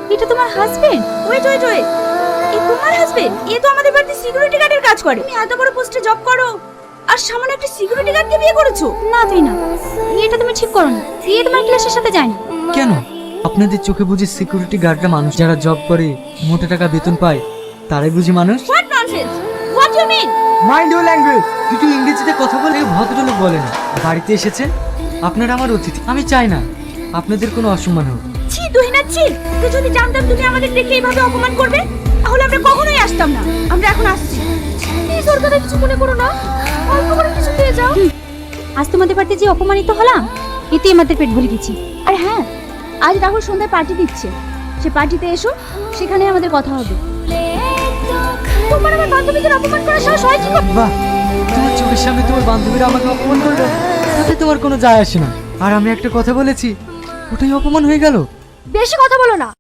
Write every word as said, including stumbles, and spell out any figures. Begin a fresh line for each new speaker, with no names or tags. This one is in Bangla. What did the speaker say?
এটা তোমার হাজবেন্ড?
ওয়েট ওয়েট ওয়েট, এ তোমার হাজবেন্ড? এ তো আমাদের বাড়িতে সিকিউরিটি গার্ডের কাজ করে। তুমি এত বড় পোস্টে জব করো আর সামান্য একটা সিকিউরিটি গার্ডকে বিয়ে করেছো?
না তুই না, এটা তুমি ঠিক করো না। এ তোমার ক্লাসের সাথে যায় না।
কেন? আপনাদের চোখে বুঝি সিকিউরিটি গার্ডরা মানুষ? যারা জব করে মোটা টাকা বেতন পায় তারাই বুঝি মানুষ?
What nonsense, what you mean?
Mind your language. দুটো ইংরেজিতে কথা বলে ভদ্রলোক বলে না। বাড়িতে এসেছেন, আপনারা আমার অতিথি। আমি চাই না আপনাদের কোনো অসম্মান হোক।
ছি তুহিনা ছি, তো যদি জানতাম তুমি আমাদের দেখে এইভাবে অপমান করবে তাহলে আমরা কখনোই আসতাম না। আমরা এখন আসছি। প্লিজ ওর কথা কিছু মনে করো না, অল্প করে কিছু দিয়ে যাও।
আজ তোমাদের বাড়িতে যে অপমানিত হলাম, এতে আমাদের পেট ভরে গেছি।
আর হ্যাঁ, আজ রাহুল সন্ধ্যায় পার্টি দিচ্ছে, সে পার্টিতে এসো, সেখানে আমাদের কথা হবে। তোমার আমার বান্ধবীদের অপমান করার সাহস হয় কি করে?
বাহ, তোমার চোখের সামনে তোমার বান্ধবীরা আমাকে অপমান করলো, তাতে তোমার কোনো যায় আসে না। আর আমি একটা কথা বলেছি, ওটাই অপমান হয়ে গেল।
বেশি কথা বলো না।